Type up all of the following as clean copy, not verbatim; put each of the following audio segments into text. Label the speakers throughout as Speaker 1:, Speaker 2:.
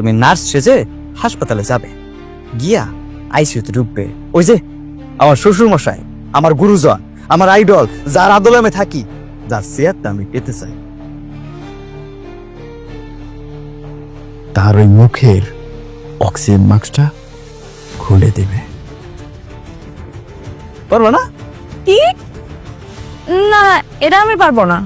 Speaker 1: তুমি নার্স সেজে হাসপাতালে যাবে, গিয়া আইসিইউতে ঢুকবে। ওই যে আমার শ্বশুর মশাই, আমার গুরুজন, আমার আইডল, যার আদলে আমি থাকি, যার চেয়ারটা আমি পেতে চাই, তার ওই মুখের অক্সিজেন মাস্কটা খুলে দেবে। পারবো না?
Speaker 2: কি? না, এটা আমি পারবো না।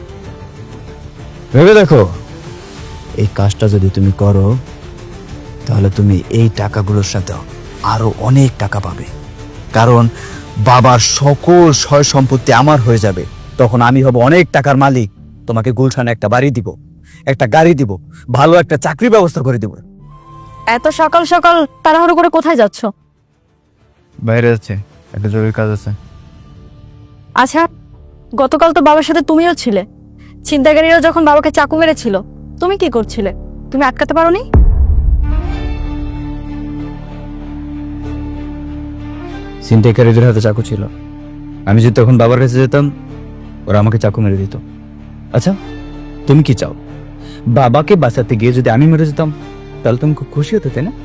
Speaker 1: ভেবে দেখো, এই কাজটা যদি তুমি করো তাহলে তুমি এই টাকাগুলোর সাথে আরো অনেক টাকা পাবে। কারণ বাবার সকল সয় সম্পত্তি আমার হয়ে যাবে। তখন আমি হব অনেক টাকার মালিক। তোমাকে গুলশানে একটা বাড়ি দিব, একটা গাড়ি দিব, ভালো একটা চাকরির ব্যবস্থা করে দিব।
Speaker 2: এত সকাল সকাল তাড়াহুড়ো করে কোথায় যাচ্ছ?
Speaker 1: বাইরে যাচ্ছে, একটা জরুরি কাজ আছে।
Speaker 2: আচ্ছা, গতকাল তো বাবার সাথে তুমিও ছিলে। ছিনতাইকারীরা যখন বাবাকে চাকু মেরেছিল, তুমি কি করছিলে? তুমি আটকাতে পারোনি?
Speaker 1: ছিনতাইকারীদের হাতে চাকু ছিল। আমি যদি তখন বাবার কাছে যেতাম, ওরা আমাকে চাকু মেরে দিত। আচ্ছা, তুমি কি চাও? বাবাকে বাঁচাতে গিয়ে যদি আমি মরে যেতাম, তাহলে তুমি খুব খুশি হতে, তাই না?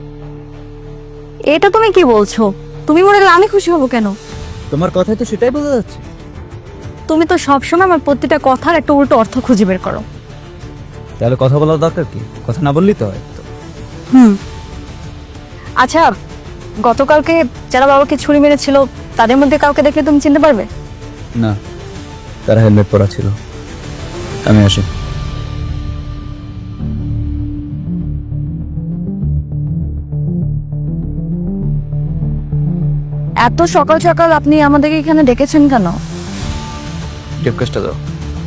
Speaker 2: এটা তুমি কি বলছো? তুমি মরে গেলে আমি খুশি হব কেন?
Speaker 1: তোমার কথায় তো সেটাই বোঝা যাচ্ছে।
Speaker 2: তুমি তো সবসময় আমার প্রতিটা কথার একটা উল্টো অর্থ খুঁজে বের করো।
Speaker 1: তাহলে কথা বলার দরকার কি? কথা না বললেই তো হয়।
Speaker 2: আচ্ছা, গতকালকে যারা বাবাকে ছুরি মেরেছিল, তাদের মধ্যে কাউকে দেখলে তুমি চিনতে পারবে?
Speaker 1: না, তারা হেলমেট পরা ছিল। আমি আসি।
Speaker 2: এত সকাল সকাল আপনি আমাদেরকে এখানে ডেকেছেন কেন?
Speaker 1: রিকোয়েস্টটা দাও।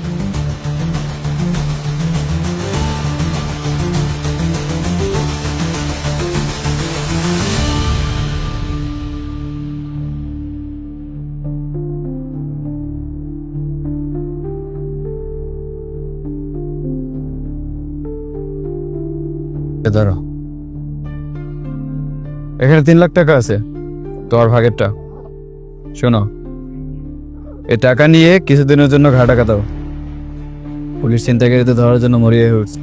Speaker 1: ধরো, এখানে 3 লাখ টাকা আছে, তোমার ভাগেরটা। শোনো, এই টাকা নিয়ে কিছুদিনের জন্য ঘাড় টাকা দাও। পুলিশ ছিনতাইকারীদের ধরার জন্য মরিয়া হয়ে উঠছে।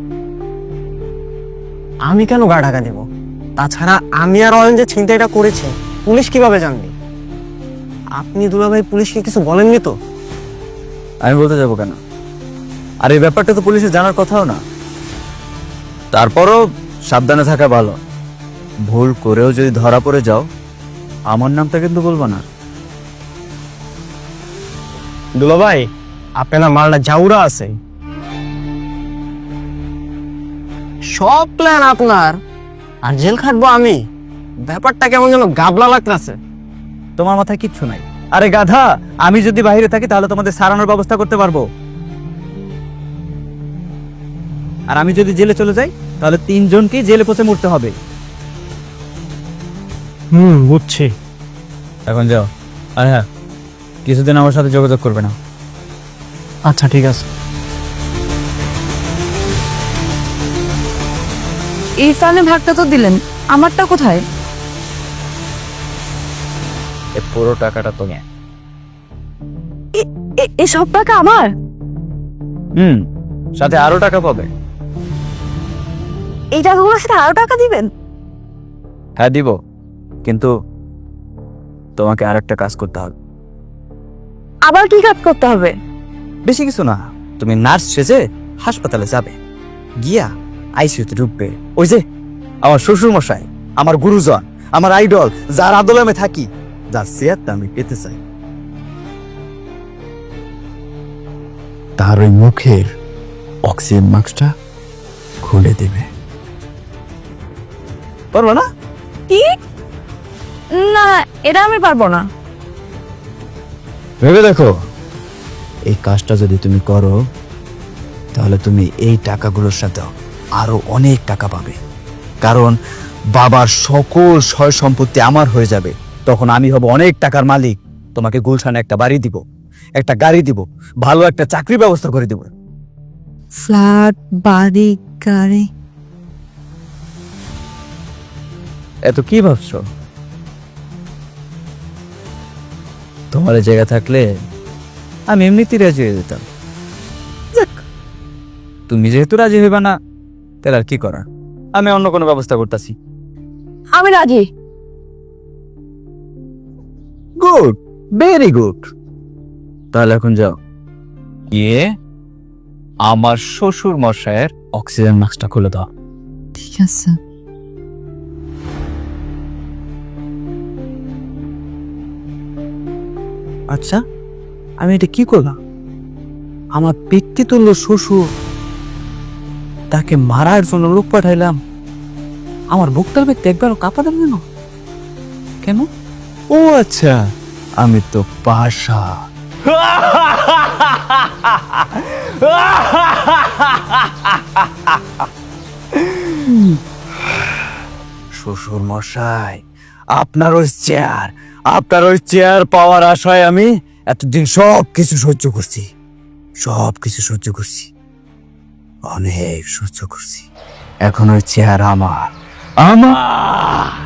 Speaker 3: আমি কেন গা ঢাকা দেব? তাছাড়া আমি আর অয়ন যে ছিনতাইটা করেছে, পুলিশ কিভাবে জানবে? আপনি দুলাভাই পুলিশকে কিছু বলেননি তো?
Speaker 1: আমি বলতে যাবো কেন? আর এই ব্যাপারটা তো পুলিশের জানার কথাও না। তারপরও সাবধানে থাকা ভালো। ভুল করেও যদি ধরা পড়ে যাও, আমার নামটা কিন্তু বলবো না।
Speaker 3: দুলাভাই, আপনার মালটা জাউরা আছে। সব প্ল্যান আপনার, আর জেল খাটবো আমি। ব্যাপারটা কেমন যেন গাবলা লাগতেছে।
Speaker 1: তোমার মাথায় কিচ্ছু নাই। আরে গাধা, আমি যদি বাইরে থাকি তাহলে তোমাদের সারানোর ব্যবস্থা করতে পারবো। আর আমি যদি জেলে চলে যাই তাহলে 3 জনকেই জেলে পচে মরতে হবে।
Speaker 3: বুঝছি।
Speaker 1: এখন যাও। আর হ্যাঁ, কিছুদিন আমার সাথে যোগাযোগ করবে না।
Speaker 3: আচ্ছা, ঠিক আছে।
Speaker 2: এই ফাইলে ভাগটা তো দিলেন, আমারটা কোথায়?
Speaker 1: এই পুরো টাকাটা তুমি।
Speaker 2: এই সব টাকা আমার?
Speaker 1: সাথে আরো টাকা পাবে।
Speaker 2: এই টাকাগুলোর সাথে আরো টাকা দিবেন?
Speaker 1: হ্যাঁ দিব, কিন্তু তোমাকে আরেকটা কাজ করতে হবে।
Speaker 2: আবার কি কাজ করতে হবে?
Speaker 1: বেশি কিছু না, তুমি নার্স সেজে হাসপাতালে যাবে, গিয়া আইসিইউতে ঢুকবে। ওই যে আমার শ্বশুর মশাই, আমার গুরুজন, আমার আইডল, যার আদলে আমি থাকি, যার চেয়ারটা আমি পেতে চাই, তার ওই মুখের অক্সিজেন মাস্কটা খুলে দেবে। পারবো না?
Speaker 2: কি? না, এটা আমি পারবো না।
Speaker 1: ভেবে দেখো, এই কাজটা যদি তুমি করো তাহলে তুমি এই টাকাগুলোর সাথে আরো অনেক টাকা পাবে। কারণ বাবার সকল সয় সম্পত্তি আমার হয়ে যাবে। তখন আমি হব অনেক টাকার মালিক। তোমাকে গুলশানে একটা বাড়ি দিব, একটা গাড়ি দিব, ভালো একটা চাকরির ব্যবস্থা করে দিব।
Speaker 2: ফ্ল্যাট, বাড়ি, গাড়ি?
Speaker 1: এত কি ভাবছো? তোমার এই জায়গা থাকলে আমি এমনিতেই রাজি হয়ে যেতাম। যাক, তুমি যেহেতু রাজি হইবা না, তাহলে আর কি করার। আমি অন্য কোনো ব্যবস্থা করতেছি।
Speaker 2: আমি রাজি।
Speaker 1: Good, very good. তাহলে এখন যাও, গিয়ে আমার শ্বশুর মশাইয়ের অক্সিজেন মাস্কটা খুলে দাও।
Speaker 2: ঠিক আছে।
Speaker 1: আচ্ছা, আমি এটা কি করলাম? আমার পিতৃতুল্য শ্বশুর, তাকে মারার জন্য লোক পাঠাইলাম, আমার বুকটার ব্যক্তি একবারও কাঁপালাম কেন? কেন? ও আচ্ছা, আমি তো পাশা। শ্বশুর মশাই, আপনার ওই চেয়ার পাওয়ার আশায় আমি এতদিন সব কিছু সহ্য করছি, অনেক সহ্য করছি। এখন ওই চেয়ার আমার।